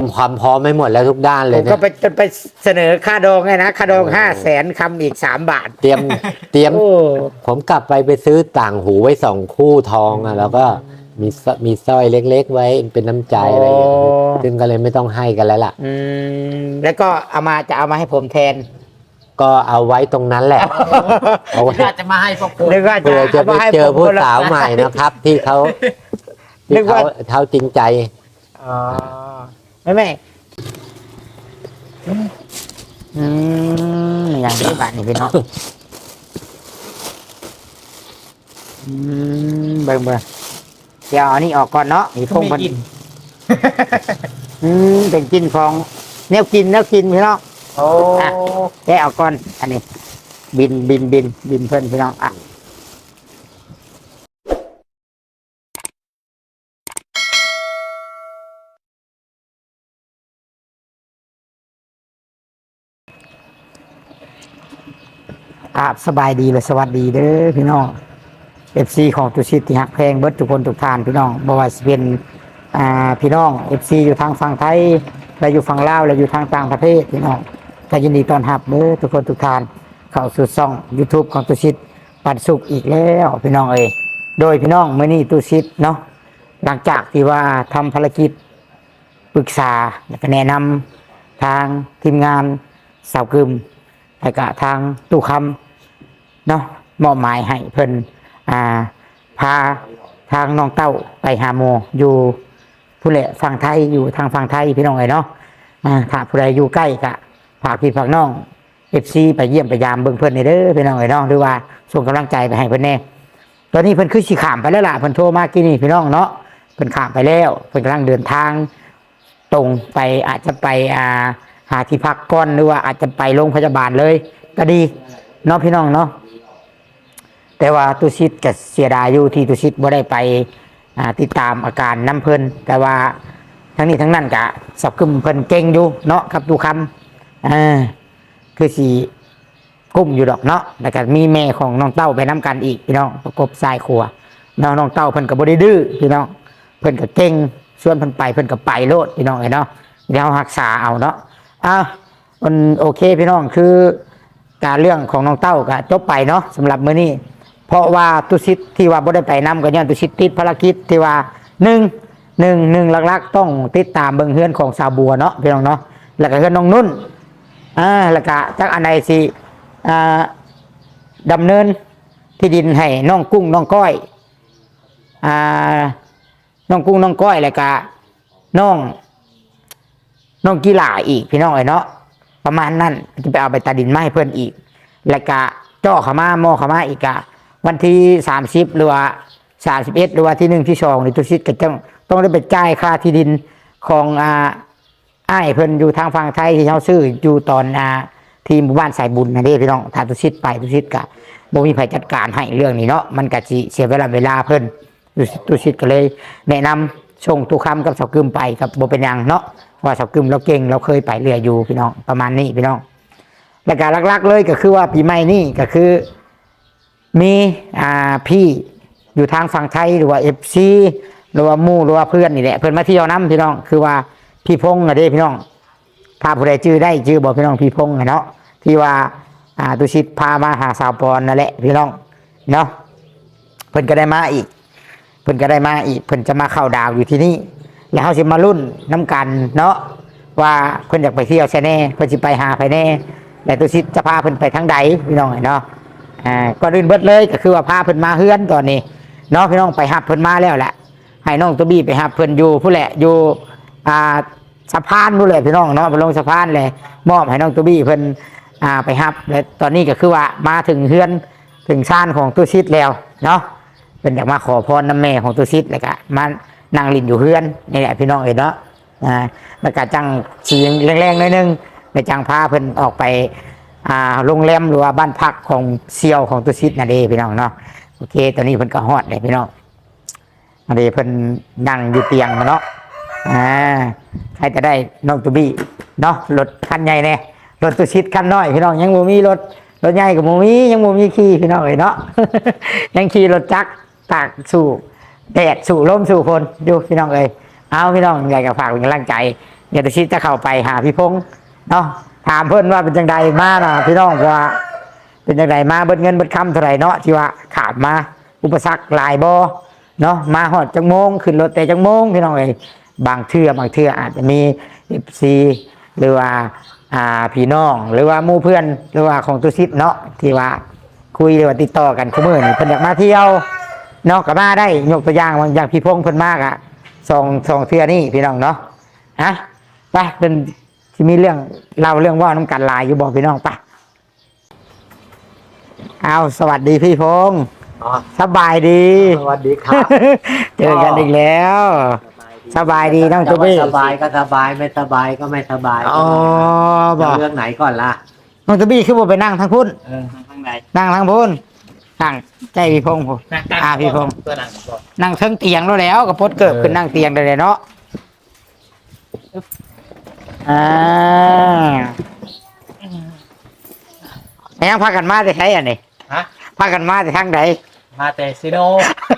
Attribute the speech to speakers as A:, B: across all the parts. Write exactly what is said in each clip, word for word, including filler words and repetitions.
A: ความพร้อมไม่หมดแล้วทุกด้านเลย
B: ผมก็ไปจนไปเสนอค่าดองไงนะค่าดองห้าแสนคำอีกสามบาท
A: เตรียมเตรียม
B: โอ้
A: ผมกลับไปไปซื้อต่างหูไว้สองคู่ทองอ่ะแล้วก็มีสมีสร้อยเล็กๆไว้เป็นน้ำใจอะไรอย่างเงี้ยซึ่งก็เลยไม่ต้องให้กันแล้วล่ะ
B: อืมแล้วก็เอามาจะเอามาให้ผมแทน
A: ก็เอาไว้ตรงนั้นแหละเอาไว้
C: จะมาให้พวกคุณ
B: นึกว่า
A: เผื่อจะไปเจอผู้สาวใหม่นะครับ ที่เขา
B: นึ
A: ที่
B: กว่า
A: เขาเขาจริงใจ
B: อ๋อไม่ไม่อืมอย่างนี้บ้านนี่พี่น้องอืมเบิ่งเบิ่งเดี๋ยวอันนี้ออกก่อนเนาะมีพง
C: ไม่
B: มัน
C: กิน
B: อืมเป็นกินของแนวกินแนวกินพี่น้อง
C: โอ้
B: อ่ะแกะออกก่อนอันนี้ บินบินบินบินเพื่อนพี่น้องอ่ะอ่ะสบายดีเลยสวัสดีเด้อพี่น้องเอฟซีของตุชิตที่หักแพงเบิร์ดทุกคนทุกทานพี่น้องบ่ว่าจะเป็นอ่าพี่น้องเอฟซีอยู่ทางฝั่งไทยและอยู่ฝั่งลาวและอยู่ทางต่างประเทศพี่น้องก็ยินดีต้อนรับเด้อทุกคนทุกทานเข้าสู่ช่อง YouTube ของตุชิตปันสุขอีกแล้วพี่น้องเอ้ยโดยพี่น้องเมื่อนี้ตุชิตเนาะหลังจากที่ว่าทำภารกิจปรึกษาและก็แนะนำทางทีมงานสาวกึมและก็ทางตู้คำเนาะมอบหมายให้เพิ่นอ่าพาทางน้องเต้าไปหาโมอยู่ผู้เละฝั่งไทยอยู่ทางฝั่งไทยพี่น้องเอ๋ยเนาะอ่าถ้าผู้ใดอยู่ใกล้ก็ฝากพี่ฝากน้องเอฟซีไปเยี่ยมไปยามเบิ่งเพิ่นในเด้อพี่น้องเอ๋ยเนาะหรือว่าส่งกำลังใจไปให้เพิ่นแน่ตอนนี้เพิ่นคือสิข้ามไปแล้วล่ะเพิ่นโทรมากี่นี่พี่น้องเนาะเพิ่นข้ามไปแล้วเพิ่นกำลังเดินทางตรงไปอาจจะไปอ่าหาที่พักก่อนหรือว่าอาจจะไปโรงพยาบาลเลยก็ดีเนาะพี่น้องเนาะแต่ว่าตุชิตก็เสียดายอยู่ที่ตุชิตบ่ได้ไปติดตามอาการน้ำเพิ่นแต่ว่าทั้งนี้ทั้งนั้นก็สับกึมเพิ่นเก่งอยู่เนาะครับดูคำอ่าคือสีกุ้มอยู่ดอกเนาะแล้วก็มีแม่ของน้องเต้าไปน้ำกันอีกพี่น้องประกบสายครัวน้องน้องเต้าเพิ่นก็บ่ได้ดื้อพี่น้องเพิ่นก็เก่งชวนเพิ่นไปเพิ่นก็ไปโลดพี่น้องเนาะเดี๋ยวรักษาเอาเนาะอ้าวมันโอเคพี่น้องคือการเรื่องของน้องเต้าก็จบไปเนาะสำหรับมื้อนี้เพราะว่าตุชิตที่ว่าบ่ได้ไปนำก็ย้อนตุชิตติดภารกิจที่ว่าหนึ่งหนึ่งหนึ่งหลักๆต้องติดตามเบิ่งเฮือนของสาวบัวเนาะพี่น้องเนาะแล้วก็เฮือนน้องนุ่นอ่าแล้วก็จักอันใดสิอ่าดำเนินที่ดินให้น้องกุ้งน้องก้อยอ่าน้องกุ้งน้องก้อยแล้วก็น้องน้องกีฬาอีกพี่น้องเอ้ยเนาะประมาณนั้นจะไปเอาไปตัดดินไม้เพิ่นอีกแล้วก็จ่อขามาหม้อขามาอีกอะวันที่สามสิบหรือว่าสามสิบเอ็ดหรือว่าที่หนึ่งที่สองในตุชิตก็ต้องต้องได้ไปจ่ายค่าที่ดินของอ่าอ้ายเพิ่นอยู่ทางฝั่งไทยที่เขาซื้ออยู่ตอนอ่าที่หมู่บ้านสายบุญนะเด้พี่น้องถ้าตุชิตไปตุชิตก็บ่มีใครจัดการให้เรื่องนี้เนาะมันก็สิเสียเวลาเวลาเพิ่นตุชิตก็เลยแนะนำส่งตุคำกับเสากึมไปกับบ่เป็นหยังเนาะว่าเสากึมเราเก่งเราเคยไปเรืออยู่พี่น้องประมาณนี้พี่น้องและการหลักๆเลยก็คือว่าปีใหม่นี่ก็คือมีอ่าพี่อยู่ทางฝั่งไทยหรือว่าเอฟซีหรือว่ามู่หรือว่าเพื่อนนี่แหละเพื่อนมาเที่ยวน้ำพี่น้องคือว่าพี่พงษ์นะเด้พี่น้องถ้าผู้ใดชื่อได้ชื่อบอกพี่น้องพี่พงษ์เนาะที่ว่าอ่าตุชิตพามาหาสาวปอนนั่นแหละพี่น้องเนาะเพิ่นก็ได้มาอีกเพิ่นก็ได้มาอีกเพิ่นจะมาเข้าดาวอยู่ที่นี่แล้วเขาสิมารุ่นน้ำกันเนาะว่าเพิ่นอยากไปเที่ยวใช่แน่เพิ่นสิไปหาไปแน่แต่ตุชิตจะพาเพิ่นไปทั้งใดพี่น้องเนาะอ่าก่อนอื่นเบิดเลยก็คือว่าพาเพิ่นมาเฮือนตอนนี้เนาะพี่น้องไปหับเพิ่นมาแล้วแหละให้น้องตัวบี้ไปหับเพิ่นอยู่ผู้แหละอยู่อ่าสะพานผู้แหละพี่น้องเนาะไปลงสะพานเลยมอบให้น้องตัวบี้เพิ่นอ่าไปหับและตอนนี้ก็คือว่ามาถึงเฮือนถึงชานของตุชิตแล้วเนาะเพิ่นอยากมาขอพรน้ำแม่ของตุชิตแล้วก็มานั่งลินอยู่เฮือนนี่แหละพี่น้องเอ๋ยเนาะอ่าแล้วก็จังเสียงแรงๆหน่อยนึงในจังพาเพิ่นออกไปอ่าโรงแรมหรือว่าบ้านพักของเซียวของตุชิตนั่นเองพี่น้องเนาะโอเคตอนนี้เพิ่นก็ฮอดเลยพี่น้องอันนี้เพิ่นนั่งอยู่เตียงเนาะอ่าใครจะได้น้องตุบี้เนาะรถคันใหญ่แน่รถตุชิตคันน้อยพี่น้องยังบ่มีรถรถใหญ่กับบ่มียังบ่มีขี่พี่น้องเอ๋ยเนาะ ยังขี่รถจักรตากสู่แดดสู่ลมสู่ฝนอยู่พี่น้องเอ๋ยเอาพี่น้องอยากจะฝากเป็นกำลังใจเดี๋ยวตุชิตจะเข้าไปหาพี่พงษ์เนาะถามเพิ่นว่าเป็นจังใดมาเนาะพี่น้องว่าเป็นจังใดมาเบิดเงินเบิดคำเท่าไหร่เนาะที่ว่าขาดมาอุปสรรคหลายบ่เนาะมาหอดจังโมงขึ้นรถแต่จังโมงพี่น้องเอ้ยบางเทื่อบางเทื่ออาจจะมี เอฟ ซี หรือว่าอ่าพี่น้องหรือว่าหมู่เพื่อนหรือว่าของตุชิตเนาะที่ว่าคุยหรือว่าติดต่อกันคุมื้อนี่เพิ่นอยากมาเที่ยวเนาะก็มาได้ยกตัวอย่างบางอย่างพี่พงษ์เพิ่นมากอ่ะสองสองเทื่อนี่พี่น้องเนาะฮะไปเป็นที่มีเรื่องเล่าเรื่องว่าน้ำกันหลายอยู่บอกพี่น้องไปเอาสวัสดีพี่พงษ์
A: อ๋อ
B: สบายดี
A: สวัสดีครับ
B: เจอกันอีกแล้ว สบายดีน้อง
A: แต่
B: ตุ๊
A: ว่า
B: บี้
A: สบายก็สบายไม่สบายก็ไม่สบาย
B: อ๋อบอก
A: จะเรื่องไหนก่อนล่ะ
B: น้องตุ๊บี้คือบ่ไปนั่งทางพุ่น
C: เออข้างใน
B: นั่งทางพุ่นนั่งใจพี่พงษ์ผม
C: นั่งตั้ง
B: อ่าพี่พงษ์
C: เพื่อนั่งก่อน
B: นั่งเทิงเตียงแล้วแล้วก็พดเกิบขึ้นนั่งเตียงได้เลยเนาะอ่าแล้วยังพากันมาได้ใช้อันนี้
C: ฮะ
B: พากันมาได้ทางใด
C: มาแต่ซิโน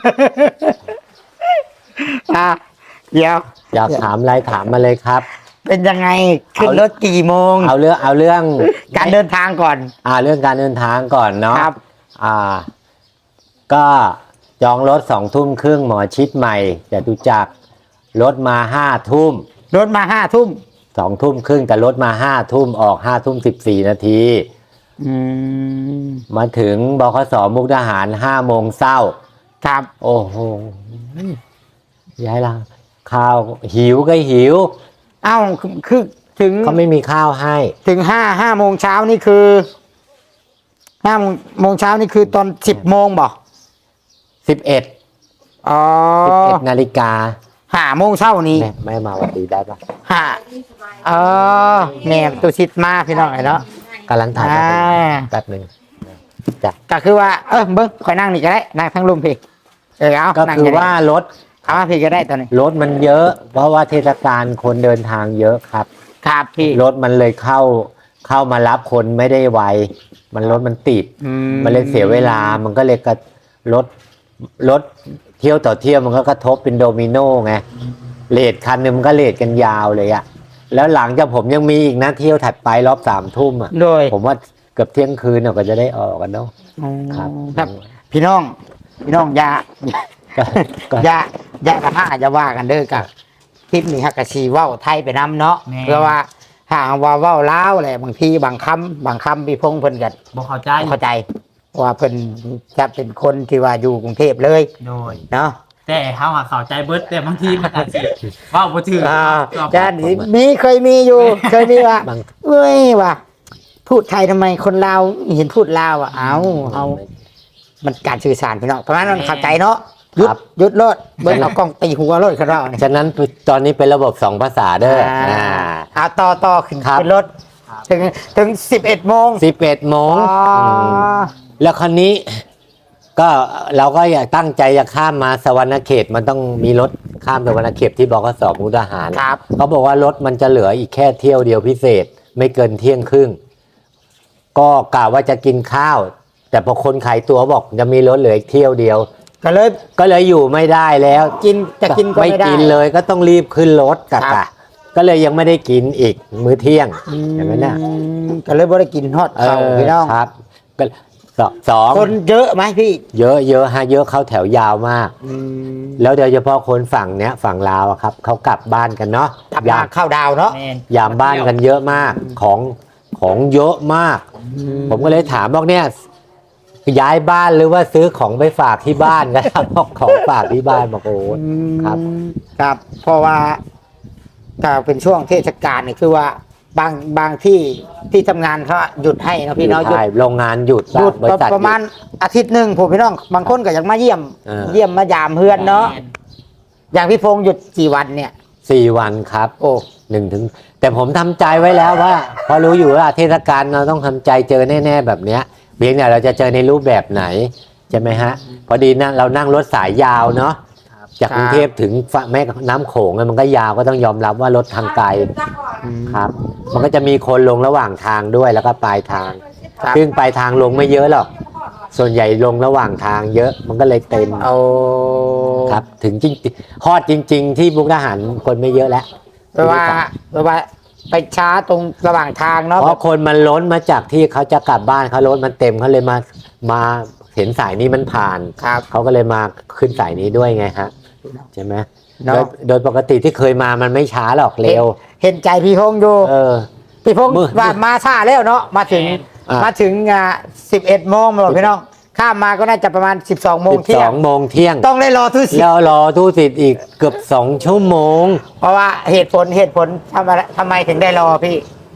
B: อ่าเดี๋ยว
A: อยากถามอะไรถามมาเลยครับ
B: เป็นยังไงขึ้นรถกี่โมง
A: เอาเรื่องเอาเรื่อง
B: การเดินทางก่อน
A: อ่าเรื่องการเดินทางก่อนเนาะ
B: ครับ
A: อ่า ก็จองรถสองทุ่มครึ่งหมอชิดใหม่จตุจักรรถมาห้าทุ่ม
B: รถมาห้าทุ่ม
A: สองทุ่มครึ่งแต่รถมาห้าทุ่มออกห้าทุ่มสิบสี่นาที
B: อืม
A: มาถึงบขสมุกดาหารห้าโมงเช้า
B: ครับ
A: โอ้โหย้ายละข้าวหิวก็หิว
B: เอ้าคือคือถึง
A: เขาไม่มีข้าวให้
B: ถึงห้าห้าโมงเช้านี่คือห้าโมงเช้านี่คือตอนสิบโมงบ่
A: สิบเอ็ด
B: อ๋อ
A: สิบเอ็ดนาฬิกา
B: ห้าโมงเช้านี้
A: แม่ไม่มาวันดีได้ปะ
B: ห้าเออแม่ตุชิดมาพี่น้องไอ้เนาะ
A: กำลังถ่าย
B: อ่า
A: แป๊บหนึ่งจ้ะ
B: ก็คือว่าเออเบิ้งคอยนั่งนี่ก็ได้นั่งทั้งลุมพี่เออเอา
A: ก็
B: นั่ง
A: คือ
B: ได้
A: ว่ารถ
B: เอามาพี่ก็ได้ตอนนี้
A: รถมันเยอะ เพราะว่าเทศกาลคนเดินทางเยอะครับ
B: ครับพี่
A: รถมันเลยเข้าเข้ามารับคนไม่ได้ไวมันรถมันติด
B: อื
A: มันเลยเสียเวลา มันก็เลยกระรถรถเที่ยวต่อเที่ยวมันก็กระทบเป็นโดมิโนไงเลทคันหนึงมันก็เลทกันยาวเลยอะแล้วหลังจากผมยังมีอีกนะเที่ยวถัดไปรอบสามทุ่มอะ
B: โดย
A: ผมว่าเกือบเที่ยงคืนเราก็จะได้ออกกันเนาะ ครับ
B: ครับ พี่น้อง พี่น้องอย่า
A: ก็ก็
B: อย่าอย่ากระห้าอย่าว่ากันเด้อกับคลิปนี้ฮักกะชีเว้าไทยไปนำเนาะเพื่อว่าหากว่าเว้าลาวแหละบางทีบางคำบางคำพี่พงษ์เพิ่นก็
C: บอกเข้าใจ
B: บ่เข้าใจว่าเพิ่นจะเป็นคนที่ว่าอยู่กรุงเทพเลย
C: โดย
B: เนาะ
C: แต่เขาหาเข้าใจเบิดแต่บางทีมันอาจจะเว่าบ่ถือ
B: อ่า
C: ก็
B: จะมีเคยมีอยู่ เคยมีว่า
A: บาง
B: เอ้ยว่าพูดไทยทำไมคนลาวเห็นพูดลาวอ่ะเอาเอามันการสื่อสารพี่น้องเพราะฉะนั้นมันเข้าใจเนาะหยุด
A: ครับ
B: หยุดรถเบิ้ลเอากล้องตีหัวรถเขาเราเนี่ย
A: ฉะนั้นตอนนี้เป็นระบบสองภาษาเด้ออ่า
B: เอาต่อต่อขึ้น
A: ครับ
B: ขึ้นรถถึงถึงสิบเอ็ดโมง
A: สิบเอ็ดโมง
B: อ๋อ
A: มแล้วคันนี้ก็เราก็อยากตั้งใจจะข้ามมาสวรรณเขตมันต้องมีรถข้ามสวรรณเขตที่บกสมุกดาหาร
B: ครับ
A: เขาบอกว่ารถมันจะเหลืออีกแค่เที่ยวเดียวพิเศษ ไม่เกินเที่ยงครึ่งก็กะว่าจะกินข้าว แต่พอคนขายตั๋วบอกจะมีรถเหลืออีกเที่ยวเดียว
B: ก็เลย
A: ก็เลยอยู่ไม่ได้แล้ว
B: กินจะกินก็
A: ไม่
B: ไม่ได้
A: กินเลยก็ต้องรีบขึ้นรถกะ
B: ครับ
A: กะก็เลยยังไม่ได้กินอีกมื้อเที่ยงอย่างนั้นน่ะ
B: อืมก็เลยบ่ได้กินฮอด
A: เอ
B: เขา
A: อ
B: พี่น้อง
A: ครับก็สองสอง
B: คนเยอะไหมพี่
A: เยอะเยอะฮะเยอะเข้าแถวยาวมาก
B: อืม
A: แล้วโดยเฉพาะคนฝั่งเนี้ยฝั่งลาวอะครับเขากลับบ้านกันเนาะ
B: กลับ
A: ยาม
B: าม เข้าดาวเนาะ
C: แม่น
A: ยามบ้านกันเยอะมากของของเยอะมาก ผมก็เลยถามบอกเนี่ยย้ายบ้านหรือว่าซื้อของไปฝากที่บ้านกันครับ บอกของฝากที่บ้านบอกโอ้
B: อืม
A: ครับ
B: ครับ เพราะว่าถ้าเป็นช่วงเทศกาลเนี่ยคือว่าบางบางที่ที่ทำงานเขาหยุดให้เนาะพี่เนาะหยุด
A: ใช่โรงงานหยุด
B: หยุด
A: บริษัท
B: ประมาณอาทิตย์หนึ่งผมพี่น้องบางคนก็ยังมาเยี่ยม
A: เออ
B: เยี่ยมมายามเพื่อนเนาะอย่างพี่พงษ์หยุดกี่วันเนี่ย
A: สี่วันครับ
B: โอ้
A: หนึ่งถึงแต่ผมทำใจไว้แล้วว่าเพราะรู้อยู่ว่าเทศกาลเราต้องทำใจเจอแน่ๆแบบเนี้ยเพียงแต่เราจะเจอในรูปแบบไหนใช่ไหมฮะพอดีนะเรานั่งรถสายยาวเนาะจากกรุงเทพถึงฝั่งแม่น้ำโขงอะมันก็ยาวก็ต้องยอมรับว่ารถทางไกลครับ มันก็จะมีคนลงระหว่างทางด้วยแล้วก็ปลายทาง
B: ครับ
A: ซึ่งปลายทางลงไม่เยอะหรอกส่วนใหญ่ลงระหว่างทางเยอะมันก็เลยเต็ม
B: เอา
A: ครับถึงจริงฮอดจริง ๆ ที่มุกดาหารคนไม่เยอะแล้ว
B: เอแปลว่าแปลว่าไปช้าตรงระหว่างทางเนาะ
A: เพราะคนมันล้นมาจากที่เขาจะกลับบ้านเขารถมันเต็มเขาเลยมามาเห็นสายนี้มันผ่าน
B: ครับ
A: เขาก็เลยมาขึ้นสายนี้ด้วยไงฮะใช่ไหม
B: เนาะ
A: โดยโดยปกติที่เคยมามันไม่ช้าหรอกเร็ว
B: เห็นใจพี่พงษ์อยู่
A: เออ
B: พี่พงษ์
A: มือ
B: ว่ามาช้าแล้วเนาะมาถึง
A: อ่ะ
B: มาถึงอ่าสิบเอ็ดโมงมาบอกพี่น้องข้ามมาก็น่าจะประมาณสิบสองโมง
A: สิบ
B: เที่
A: ส
B: ย
A: อง งโมงเที่ยง
B: ต้องได้รอทุกสิ
A: แล้วรอตู้สิทธิ์อีกเกือบสองชั่วโมง
B: เพราะว่าเหตุผลเหตุผลทำไมทำไมถึงได้รอพี่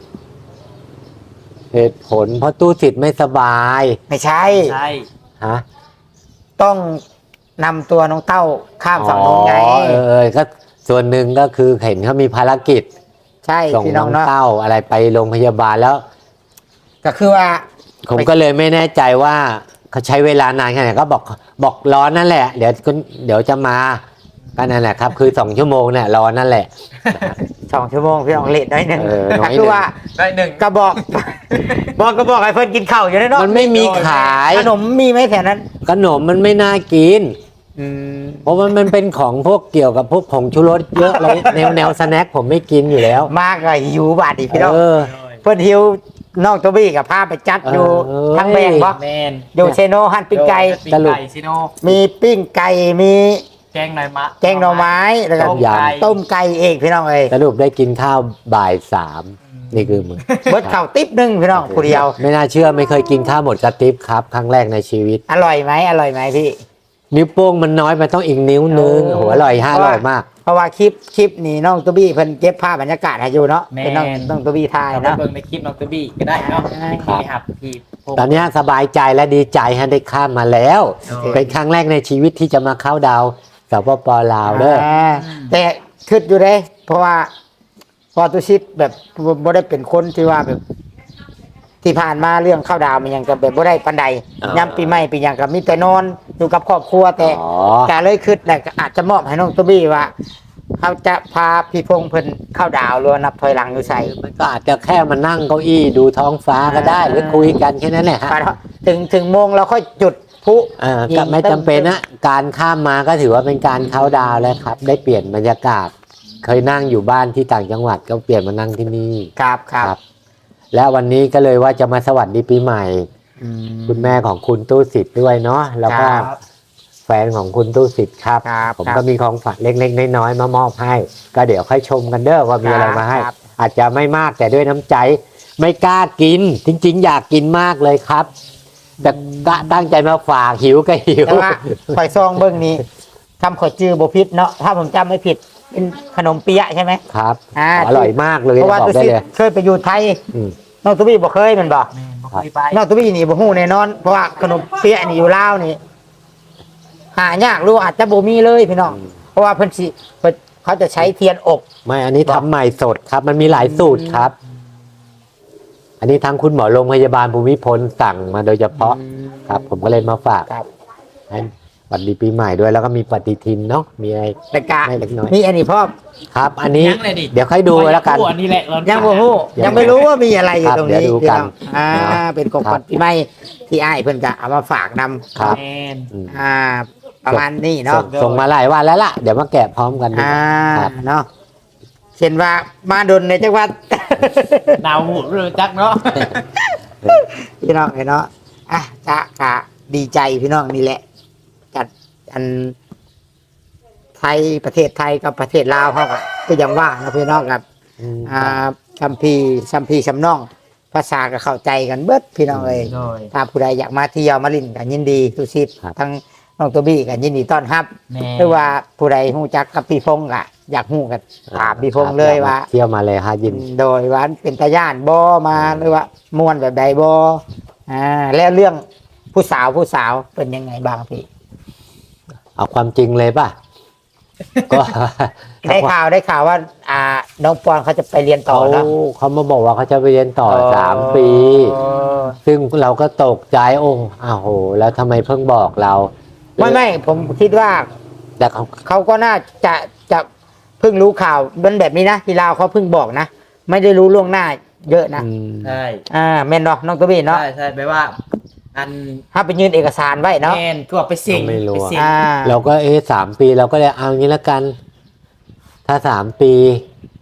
A: เหตุผลเพราะตู้สิทธิ์ไม่สบาย
B: ไม่ใช่
C: ใช่
A: ฮะ
B: ต้องนำตัวน้องเต้าข้ามฝั่งนู้นไง
A: อ๋อเออเออก็ส่วนหนึ่งก็คือเห็นเขามีภารกิจ
B: ใช่
A: ส่ง
B: พี่
A: น้
B: น้
A: อ
B: อง
A: ง
B: เนาะ
A: เต้าอะไรไปโรงพยาบาลแล้ว
B: ก็คือว่า
A: ผมก็เลยไม่แน่ใจว่าเขาใช้เวลานานแค่ไหนก็บอกบอกรอนั่นแหละ เดี๋ยวก็เดี๋ยวจะมาก็นั่นแหละครับ คือสองชั่วโมงเนี่ยรอนั่นแหละ
B: สองชั่วโมงพี่น้องเลทน้อยหนึ่ง
A: เออน้อยหนึ่ง
B: ก็คือว่า
C: ได้หนึ่ง
B: ก็บอก บอกก็บอกให้เพิ่นกินข้าวอยู่ในเนาะ
A: มันไม่มีขาย
B: ขนมมีไหมแถวนั้น
A: ขนมมันไม่น่ากิน
B: อืม
A: เพราะว่ามันเป็นของพวกเกี่ยวกับพวกผงชูรสเยอะอะไรแนวแนวสแน็คผมไม่กินอยู่แล้ว
B: มากเลยหิวบาดอีกพี่น้อง
A: เออ
B: เพิ่นหิวนอกตัวบี้กับพาไปจัดอยู่
A: เออ
B: ทั้งแบงบ่
C: แมน
B: อยู่เชโนฮันปิ้งไก่
C: ปิ้ง
A: สรุป
C: ไก่ซิโน
B: มีปิ้งไก่มี
C: แกงหน่อยมะ
B: แกงหน่อไม้แล้วก็
C: ต้มไก่
B: ต้มไก่เองพี่น้องเอ้ย
A: สรุปได้กินข้าวบ่ายสามนี่คือมึง
B: เบิดข้าวติ๊บหนึงพี่น้องผู้เดียว
A: ไม่น่าเชื่อไม่เคยกินข้าวหมดกระติบครับ ครั้งแรกในชีวิต
B: อร่อยไหมอร่อยไหมพี่
A: นิ้วโป้งมันน้อยมันต้องอีกนิ้วนึง
B: เออ
A: โหัวอร่อยห้าอร่อยมาก
B: เพราะว่าคลิปคลิปนี้น้องตัวบี้เพิ่นเก็บภาพบรรยากาศให้อยู่เนาะ
C: แม
B: เป็นน้อง
C: น
B: น้องตัวบี้ถ่าย
C: เอาไป
B: เนาะ
C: เบิ่งในคลิปน้องตัวบี้ก็ได้เนาะ
A: ครับ
C: นี่ครับพี่พงษ์
A: ตอนเนี้ยสบายใจและดีใจฮะได้ข้ามมาแล้ว
C: โอ้ย
A: เป็นครั้งแรกในชีวิตที่จะมาเข้าดาวสปปลาวเด้อ
B: อ่าแต่คิดอยู่เด้ เพราะว่าพอตุชิตแบบบ่ได้เป็นคนที่ว่าแบบ ที่ผ่านมาเรื่องข้าวดาวมันยังกับแบบบ่ได้ปันใด
A: อ๋อ
B: ย้ำปีใหม่ปีหยังกับมีแต่นอนอยู่กับครอบครัวแต่
A: อ๋อ
B: แต่เลยคิดแหละก็อาจจะมอบให้น้องตัวบี้ว่าเขาจะพาพี่พงษ์เพิ่นเข้าดาวหรือว่านับถอยหลังอยู่ใส่
A: มันก็อาจจะแค่มานั่งเก้าอี้ดูท้องฟ้าก็ได้ หรือคุยกันแค่นั้นแหละฮะ
B: ถึงถึงโมงเราค่อยจุดพลุ
A: เออก็ไม่จำเป็นนะการข้ามมาก็ถือว่าเป็นการเข้าดาวแล้วครับ ได้เปลี่ยนบรรยากาศ เคยนั่งอยู่บ้านที่ต่างจังหวัดก็เปลี่ยนมานั่งที่นี่
B: ครับครับ
A: และวันนี้ก็เลยว่าจะมาสวัสดีปีใหม่
B: อืม
A: คุณแม่ของคุณตู้สิทธิ์ด้วยเนาะแล้วก็
B: ครับ
A: แฟนของคุณตู้สิทธิ์ครับ
B: ครับ
A: ผม
B: ครับ
A: ก็มีของฝากเล็กๆน้อยๆมามอบให้ ก็เดี๋ยวค่อยชมกันเด้อว่ามีอะไรมาให้
B: ครับ
A: อาจจะไม่มากแต่ด้วยน้ำใจ ไม่กล้ากิน จริง ๆ อยากกินมากเลยครับ แต่กะตั้งใจมาฝากหิวก็หิว
B: แต่ว่าข่อยซองเบิ้งนี้ทำข่อยจื้อบ่ผิดเนาะถ้าผมจำไม่ผิดเป็นขนมเปี๊ยะใช่ไหม
A: ครับ
B: อ่า
A: อร่อยมากเลย
B: เพราะว่า
A: บอก
B: ตุ
A: ได้
B: ชิต
A: เลย
B: เคยไปอยู่ไทย
A: อืม
B: น้องตุบี้บ่เคยแมันบ่
C: แมนบ่เคยไป
B: น้องตุบี้นี่บ่ฮู้แน่นอนเพราะว่าขนมเปี๊ยะนี่อยู่ลาวนี่หายากหรู้อาจจะบ่มีเลยพี่น้องเพราะว่าเพิ่นสิเพิ่นเขาจะใช้เทียนอบ
A: ไม่อันนี้ทำใหม่สดครับ มันมีหลายสูตรครับ อันนี้ทางคุณหมอโรงพยาบาลภูมิพลสั่งมาโดยเฉพาะครับ ผมก็เลยมาฝาก
B: ครับ
A: ให้สวัสดีปีใหม่ด้วยแล้วก็มีปฏิทินเนาะมีอะไร
B: แต่กะ
A: ไม่เล็กน้อย
B: นี่อันนี้พ่อม
A: ครับ อันนี้
C: ยังเลยดิ
A: เดี๋ยวค่อยดูแล้วกัน
C: อันนี้แหละเรา
B: ยังบ่ฮู้
A: ยัง
B: ยังไม่รู้ว่ามีอะไรอยู่
A: ครับ
B: ตรงนี้
A: เดี๋ยวดู
B: พี่
A: กัน
B: น้องอ่า
A: เนาะ
B: เป็นของขวัญปีใหม่ที่อ้ายเพิ่นก็เอามาฝากนำ
A: ครับ
C: แมน
A: อืม
B: อ่า ประมาณนี้
A: ส่
B: เนาะ
A: งส่งมาหลายวันแล้วล่ะ เดี๋ยวมาแกะพร้อมกันดู
B: อ่า
A: ครับ
B: เนาะเช่นว่ามาดนในจังหวัด
C: ดาวหูเรือจักเนาะ
B: พี่น้องเนาะอ่ะจะกะดีใจพี่น้องนี่แหละจัดอันไทยประเทศไทยกับประเทศลาวเขาก็ก็ยังว่านะพี่น้องครับ
A: อืม
B: อ่าคัมภีร์คัมภีร์ชำน้อง ภาษาก็เข้าใจกันเบิดพี่น้องเอ้ย
C: โดย
B: ถ้าผู้ใดอยากมาเที่ยวมาลินกันยินดีทุกชิด
A: ครับ
B: ทั้งน้องตัวบี้กันยินดีต้อนรับ
C: แม่
B: หรือว่าผู้ใดฮู้จักกับพี่พงษ์ก็อยากฮู้กันถามพี่พงษ์เลยว่า
A: เที่ยวมาเลยฮะยิน
B: โดยว่าเป็นตาย่านบ่มาหรือว่ามวนแบบใดบ่อ่าแล้วเรื่องผู้สาวผู้สาวเป็นยังไงบ้างพี่
A: เอาความจริงเลยป่ะ ก็
B: ได้ข่าวได้ข่าวว่า อ่า น้องปอนเขาจะไปเรียนต่อ
A: เขา
B: แล้ว
A: เขามาบอกว่าเขาจะไปเรียนต่อสามปี ซึ่งเราก็ตกใจโอ้อ้าวโห แล้วทำไมเพิ่งบอกเรา
B: ไม่ไม่ผมคิดว่า
A: แต่เขา
B: เขาก็น่าจะจะเพิ่งรู้ข่าวมันแบบนี้นะที่ลาวเขาเพิ่งบอกนะ ไม่ได้รู้ล่วงหน้า เยอะนะ
A: อืม
C: ใช่
B: อ่าแม่นเนาะน้องตัวบี้เนาะ
C: ใช่ใช่แปลว่า อัน
B: ถ้าไปยื่นเอกสารไว้เนาะ
C: แมนก็ไปเสิ่ง
A: ไม่รู้
C: ไป
A: อะ
C: เสิ่ง
B: อ่า
A: เราก็เอ๊ะสามปีเราก็เลยเอางี้ละกัน ถ้าสามปี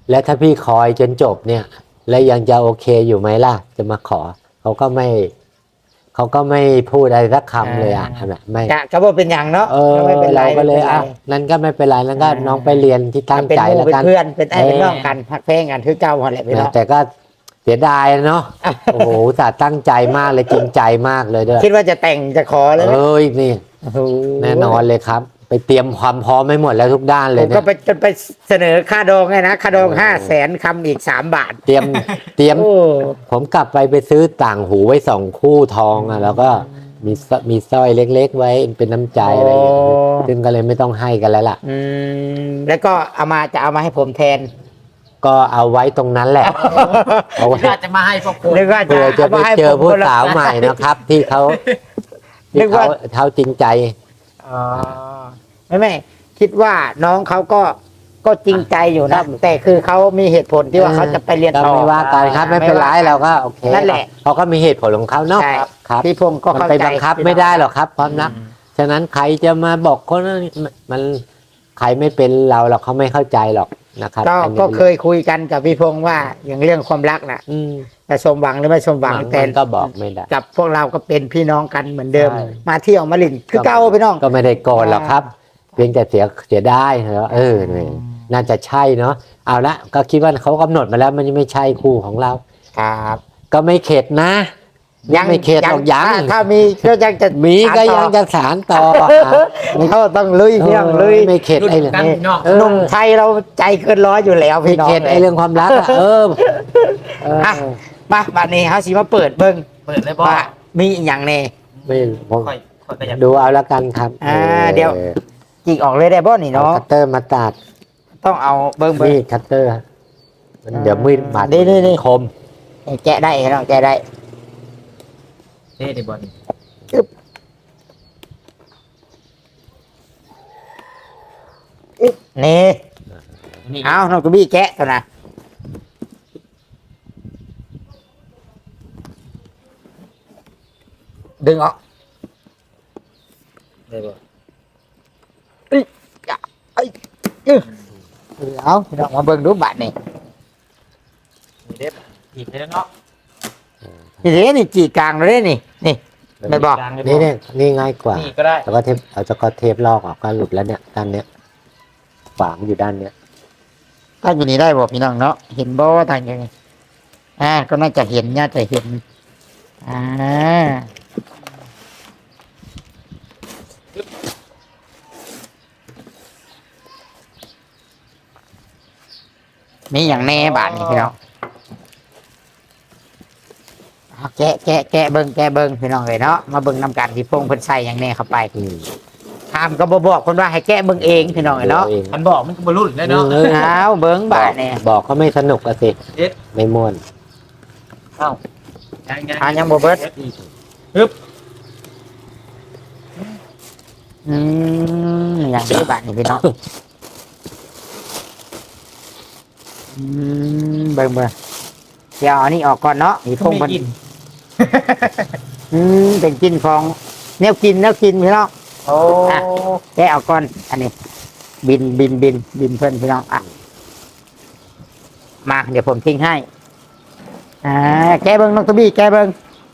A: แล้วถ้าพี่คอยจนจบเนี่ย แล้วยังจะโอเคอยู่ไหมล่ะ จะมาขอเขาก็ไม่เขาก็ไม่พูดอะไรสักคำเลยอ่ะนะไม่
B: กะก็บ่เป็นอย่างเนาะ
A: เออ
B: ไม่เป็นไร
A: เราก็เลย
B: ไม่ป็นไร
A: อ่ะนั่นก็ไม่เป็นไรนั่นก็
B: อ่า
A: น้องไปเรียนที่ตั้งใจ
B: เป็นหมู่
A: แล้ว
B: เป็น
A: กัน
B: เพื่อนเป็นไอ้เป็น
A: เออ
B: น้องกันพักเพลงกันคือเก่าหมดแหละพี่น้อง
A: แต่ก็เสียดายเนาะ โอ้โหอุตส่าห์ตั้งใจมากเลยจริงใจมากเลยด้วย
B: คิดว่าจะแต่งจะขอเลยไหม
A: เอ้ยนี่
B: โอ้โห
A: แน่นอนเลยครับ ไปเตรียมความพร้อมไม่หมดแล้วทุกด้านเล
B: ผ
A: ย
B: ม
A: เนี่
B: ก็
A: ย
B: ไปจนไปเสนอค่าดองไงนะค่าดอง
A: เออ
B: ห้าแสนคำอีกสามบาท
A: เตรียมเตรียม
B: โอ้
A: ผมกลับไปไปซื้อต่างหูไว้สองคู่ทองอ่ะแล้วก็มีสมีสร้อยเล็ก ๆ ไว้เป็นน้ำใจอะไรอย่างเงี้ยซึ่งก็เลยไม่ต้องให้กันแล้วล่ะ
B: อืมแล้วก็เอามาจะเอามาให้ผมแทน
A: ก็เอาไว้ตรงนั้นแหละ เอาไว้
C: น่าจะมาให้พวกคุณ
B: นึกว่า
A: เผื่อจะไป
B: ามาให้
A: เจอ
B: ผม
A: ผู้
B: คนละ
A: สาวใหม่นะครับ ที่เขา
B: นึ
A: ที่
B: ก
A: เขา
B: ว่า
A: เขาจริงใจ
B: อ๋อไม่ไม่คิดว่าน้องเขาก็ก็จริงใจอยู่
A: ครั
B: นะ
A: บ
B: แต่คือเขามีเหตุผลที่ว่าเขาจะไปเรียน
A: ก็
B: ต่อ
A: ไม่ว่ากันครับไม่เป็นไรเราก็โอเค
B: นั่นแหละ
A: เขาก็มีเหตุผลของเขาเนาะ
B: ใช่
A: ครับ
B: พี่พงศ์ก็
A: มัน
B: เข้า
A: ไป
B: ใจ
A: บังคับไม่ได้หรอกครับความรักฉะนั้นใครจะมาบอกคนนั้นมันใครไม่เป็นเราเราเขาไม่เข้าใจหรอกนะครับ
B: ก็
A: อันนี้
B: ก็เคยคุยกันกับพี่พงศ์ว่าอย่างเรื่องความรักน่ะ
A: อืม
B: จะสมหวังหรือไม่สมหวัง
A: หวัง
B: แต่
A: มันก็บอกไม่ได้
B: กับพวกเราก็เป็นพี่น้องกันเหมือนเดิม
A: ใช่
B: มาเที่ยวมาลินคือเก่าพี่น้อง
A: ก็ไม่ได้โกรธหรอกครับ เพียงแต่เสียเสียได้เหรอเออเนี่ยน่าจะใช่เนาะเอาละก็คิดว่าเขากำหนดมาแล้วมันยังไม่ใช่คู่ของเรา
B: ครับ
A: ก็ไม่เข็ดนะไม่เข็ดหรอกยัง
B: ถ้าถ้ามีก็ยังจะ
A: มีก็
B: สานต่อ
A: ยังจะสารต่อ
B: เขาต้องลุยพี่น้องลุย
A: ไม่เข็ด
C: รุ่น
A: ไอ้เรื่อง
C: กันพี่น้อง
A: เออ
B: หนุ่มไทยเราใจเกินร้อยอยู่แล้ว
A: ไม่
B: พี่น้อง
A: เข็ดไอ้เรื่องความรักอะเออเออ
B: อ่ะมาบัดนี้เขาสิมาเปิดเบิ้ง
C: เปิดเลยบ่
B: ว่ามีอหย่างแน่
A: ไม่ผม
C: ค่อยค่อยก็อยาก
A: ดูเอาละกันครับ
B: อ่าเดี๋ยว จิกออกเลยได้บ่นี่
A: เอา
B: เนาะ
A: คัตเตอร์มาตัด
B: ต้องเอาเบิ้งเบิ้ง
A: นี่คัตเตอร์มันเดี๋ยวมีดบาด
B: นี่นี่นี่
A: คม
B: แกะได้พี่น้องแกะได้
C: เท่ดีบ่นี่
B: นี่
C: นี่
B: เอาน้องกระบี้แกะตัวนะดึงออก
C: ได้บ่
B: เอ้ยเอ้ยเอ้ยเอาพี่น้องมาเบิ้งดูบัดนี่
C: นี่เด็ดอีกแล้วเนาะ
B: นี่เด้นี่จีกลางเลยนี่นี่ ไม่บอก
A: นี่เนี่ยนี่ง่ายกว่า
C: นี่ก็ได้
A: แล้วก็เทปเอาสกอตเทปลอกออกก็หลุดแล้วเนี่ยด้านเนี้ยฝางอยู่ด้านเนี้ย
B: ถ้าอยู่นี่ได้บ่พี่น้องเนาะเห็นบ่ว่าทางยังไงอ่าก็น่าจะเห็นน่าจะเห็นอ่ามีอย่างแน่บาทนี่พี่น้องเอาแกะแกะแกะเบิ้งแกะเบิ้งพี่น้องเลยเนาะมาเบิ้งนำกันที่พงเพิ่นใส่อย่างแน่เข้าไป
A: อืม
B: ถามก็บ่บอกคนว่าให้แกะเบิ้งเองพี่น้องเลยเนาะ
A: ดูอง
C: มันบอกมันก็บ่รุ่นแล้วเนาะ
A: เออ
B: เอาเบิ้งบาทเนี่ย
A: บอกเขาไม่สนุกอะสิ
C: เด็ด
A: ไม่ม่วน
C: เอ้ายังยัง
B: อ่ายังบ่เบิด
C: อีกปึ๊บ
B: อืมอย่างนี้บาทนี่พี่น้องอืมเบิ่งเบิ่งเดี๋ยวเอาอันนี้ออกก่อนเนาะนี่พง
C: ไม่
B: เพิ่น
C: กิน
B: อืมเป็นกินของแนวกินแนวกินพี่น้อง
C: โอ้
B: อ่ะ แกะออกก่อน อันนี้ บินบินบินบินเพิ่นพี่น้องอ่ะมาเดี๋ยวผมทิ้งให้อ่าแกะเบิ่งน้องตวบี้แกะเบิ่ง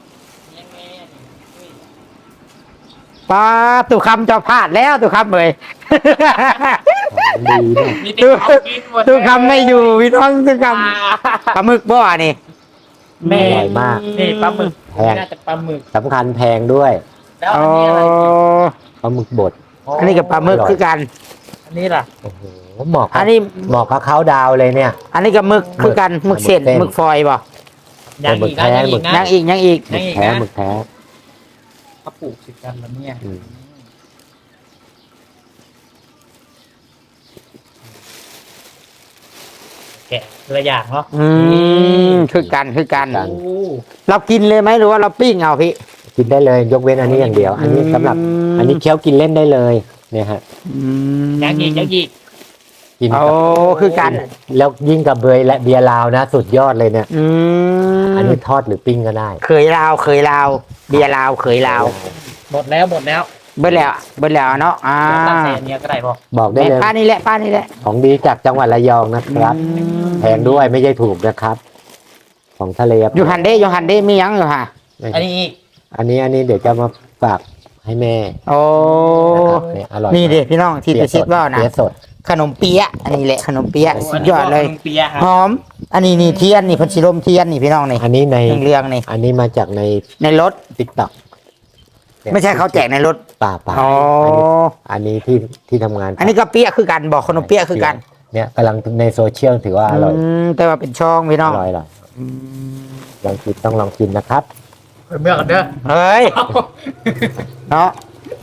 B: ปลาตุคำจะพลาดแล้วตุคำเลย
A: ดีเนี่ย
C: มีติ๊กเอากินหมด
B: ตุคำไม่อยู่พี่น้องตุคำปลาหมึกบ่อนี่
C: แม่
A: อร่อยมาก
C: นี่ปลาหมึก
A: แพง
C: น่าจะปลาหมึก
A: สำคัญแพงด้วย
C: แล้ว
B: โอ้
C: อันนี้อะไร
A: ปลาหมึกบด
B: อันนี้กับปลาหมึกคือกัน
C: อันนี้ล่ะ
A: โอ้โหเหมาะ
B: อั
A: กับ
B: นนี้
A: เหมาะกับเขาดาวเลยเนี่ย
B: อันนี้กับหมึกคือกันหมึกเส้น
A: หมึกเส้น
B: หมึกฟอยบ่
C: ยังอีกนะยังอีกนะ
B: ยังอีกยังอีก
A: หมึกแท้หมึกแท้
C: เขาปลูกสิกันแล้วเนี่ย
A: อืม
C: แกะตัวอย่างเนาะ
B: อืมคือกันคือกัน
C: โอ้
B: เรากินเลยไหมหรือว่าเราปิ้งเอาพี่
A: กินได้เลย ยกเว้นอันนี้อย่างเดียว อันนี้สำหรับ อันนี้เคี้ยวกินเล่นได้เลยเนี่ยฮะ
C: ยังอีกยังอีก
A: กิน
B: โอ้
A: กับ
B: คือกัน
A: แล้วยิ่งกับเบยและเบียร์ลาวนะ สุดยอดเลยเนี่ย
B: อืม
A: อันนี้ทอดหรือปิ้งก็ได้
B: เคยลาวเคยลาวเบียร์ลาวเคยลาว
C: หมดแล้วหมดแล้ว
B: เบิดแล้วเบิดแล้วเนาะอ่า
C: ตั้งแต่อันเนี้ยก็ได้บ่
A: บอกได้
B: แม่
A: เลย
B: ป้านี่แหละป้านี่แหละ
A: ของดีจากจังหวัดระยองนะครับ
B: อืม
A: แพงด้วยไม่ใช่ถูกนะครับ ของทะเล
B: อยู่หันเด้อยู่หันเด้มีหยังอยู่ค่ะ
C: อันนี้อีก
A: อันนี้อันนี้เดี๋ยวจะมาฝากให้แม่
B: โอ้
A: นะครับเนี่ยอร่อย
B: นี่เด้พี่น้องที่
A: เปี๊
B: จะ
A: ยะ
B: คิดว่านะ
A: เปี๊ยะสด
B: ขนมเปี๊ยะอันนี้แหละขนมเปี๊ยะสุดยอดเลย
C: เปียะค
B: ห
C: รับ
B: อม อันนี้นี่เทียนนี่เพันชิลมเทียนนี่พี่น้องนี่
A: อันนี้ใน
B: เรื่องๆนี่
A: อันนี้มาจากใน
B: ในรถ
A: ติ๊กต็อก
B: ไม่ใช่เขาแจกในรถ
A: ป่าป่า
B: อ๋อ
A: อันนี้ที่ที่ทำงาน
B: อันนี้ก็เปี๊ยะคือกันบอกขนมเปี๊ยะคือกัน
A: เนี่ยกำลังในโซเชียลถือว่าอร่อย
B: มแต่ว่าเป็นช่องพี่น้
A: อ
B: อง
A: ร่อยอร่อย
B: อืม
A: ลองกินต้องลองกินนะครับ
C: เมื่อกันเด้อ
B: เฮ้ยเนาะ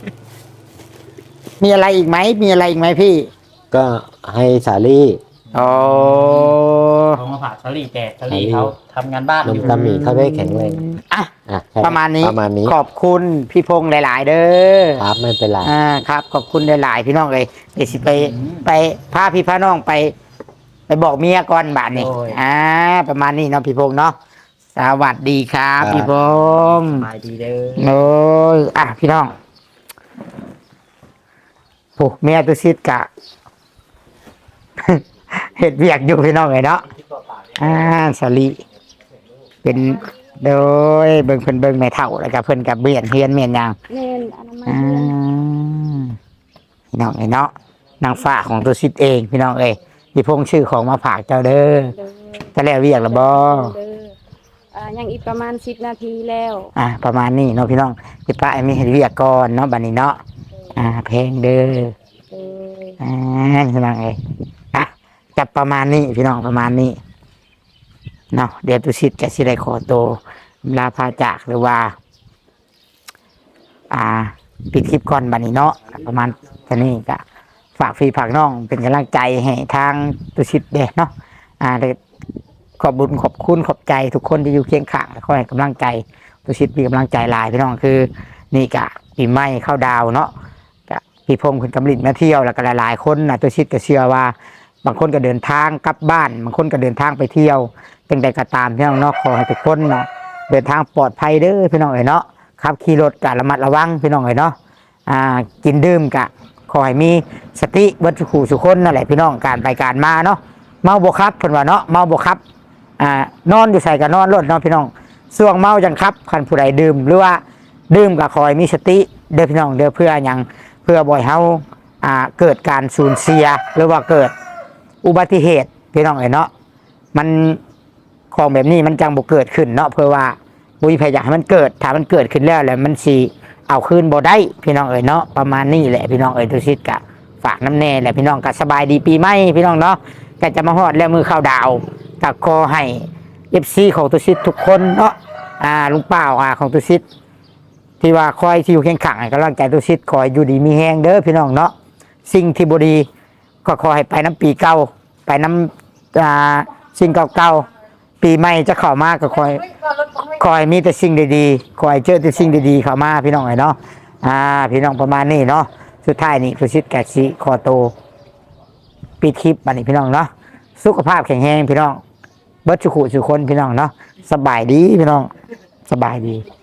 B: มีอะไรอีกไหมมีอะไรอีกไหมพี่
A: ก็ให้สาลี่
B: โอ้
C: ของมาผ่าสลีแต่สลีเขาทำงานบ้าน
A: น
C: อ
A: ม
C: ยู่
A: ตาหมีเขาได้แข็งแรง
B: อ่ะ
A: อ่ะแค่
B: ประมาณนี้
A: ประมาณนี้
B: ขอบคุณพี่พงษ์หลาย ๆ เด้อ
A: ครับไม่เป็นไร
B: อ่าครับ ขอบคุณหลาย ๆ พี่น้องเลยเดี๋ยวสิไปไปพาพี่พาน้องไป ไปบอกเมียก่อนบาทนี่อ่าประมาณนี้เนาะพี่พงษ์เนาะสวัสดีครับพี่พงษ์
C: สบายดีเด้อ
B: โอ้ยอ่ะพี่น้องโอ้เมียตุซิดกะ เห็ดเวียกอยู่พี่น้องเลยเนาะอ่าสลีเป็นโดยเบิ่งเพิ่นเบิ่งแม่เฒ่าแล้วก็เพิ่นกับเบียนเฮียนเมียนหยัง
D: แม่นอนามัย
B: อ่า
D: เดือน
B: พี่น้องเอ้ยเนาะนางฟ้าของตุซิดเองพี่น้องเอ้ยพี่พงษ์ชื่อของมาฝากเจ้าเด้อ
D: เด้อ
B: จะแล้วเวียกแล้วบ่
D: เด้ออ่ายังอีกประมาณสิบนาทีแล้ว
B: อ่าประมาณนี้เนาะพี่น้องพี่ป้าไอ้มีเห็ดเวียกก่อนเนาะบัดนี้เนาะอ่าเพลงเด้อ
D: เด้อ
B: อ่าพี่น้องเอ้ยอ่ะจับประมาณนี้พี่น้องประมาณนี้เนาะเดี๋ยวตุชิตจะสิได้ขอโตวลาพาจากหรือว่า อ่า ปิดคลิปก่อนบัดนี้เนาะประมาณแค่นี้ก็ฝากพี่ฝากน้องเป็นกำลังใจให้ทางตุชิตเด้เนาะอ่าเดี๋ยวขอบบุญขอบคุณขอบใจทุกคนที่อยู่เคียงข้างและคอยให้กำลังใจตุชิตมีกำลังใจหลายพี่น้องคือ นี่กะปีใหม่เข้าดาวเนาะกะพี่พงศ์คุณกำลินมาเที่ยวแล้วก็หลายๆคนนะตัวชิดก็เชื่อว่า บางคนก็เดินทางกลับบ้านบางคนก็เดินทางไปเที่ยวเป็นใดก็ตามพี่น้องเนาะขอให้ทุกคนเนาะเดินทางปลอดภัยเด้อพี่น้องเอ๋ยเนาะขับขี่รถกะระมัดระวังพี่น้องเอ๋ยเนาะอ่ากินดื่มกะขอให้มีสติวัตถุขู่สุคนนั่นแหละพี่น้องการไปการมาเนาะเมาบ่ครับเพิ่นว่าเนาะเมาบ่ครับอ่านอนอยู่ใส่กับนอนรถเนาะพี่น้องส่วงเมาจังครับคันผู้ใดดื่มหรือว่า ดื่มกับคอยมีสติเด้อพี่น้องเด้อเพื่ออย่างเพื่อบ่อยเฮาอ่าเกิดการสูญเสียหรือว่าเกิดอุบัติเหตุพี่น้องเอ๋ยเนาะมันของแบบนี้มันจังบ่เกิดขึ้นเนาะเพื่อว่าบุญพยายามให้มันเกิดถ้ามันเกิดขึ้นแล้วแล้วมันสิเอาคืนบ่ได้พี่น้องเอ๋ยเนาะประมาณนี้แหละพี่น้องเอ๋ยทุกชิดกะฝากน้ำแน่แหละพี่น้องก็สบายดีปีใหม่พี่น้องเนาะก็จะมาฮอดแล้วมือเข้าดาวก็ขอให้ เอฟ ซี ของตุชิดทุกคนเนาะอ่าลุงเป้าอ่าของตุชิด ที่ว่าคอยที่อยู่เคียงข้างให้กำลังใจตุชิดคอยอยู่ดีมีแฮงเด้อพี่น้องเนาะสิ่งที่บดีก็ขอให้ไปน้ำปีเก่าไปน้ำอ่าสิ่งเก่าๆปีใหม่จะเข้ามาก็คอยคอยมีแต่สิ่งดีๆคอยเจอแต่สิ่งดีๆเข้ามาพี่น้องเนาะอ่าพี่น้องประมาณนี้เนาะสุดท้ายนี่ตุชิดแกะสิขอโตวปิดคลิปบัดนี้พี่น้องเนาะสุขภาพแข็งแรงพี่น้องเบิดสุขุสุคนพี่น้องเนาะสบายดีพี่น้องสบายดี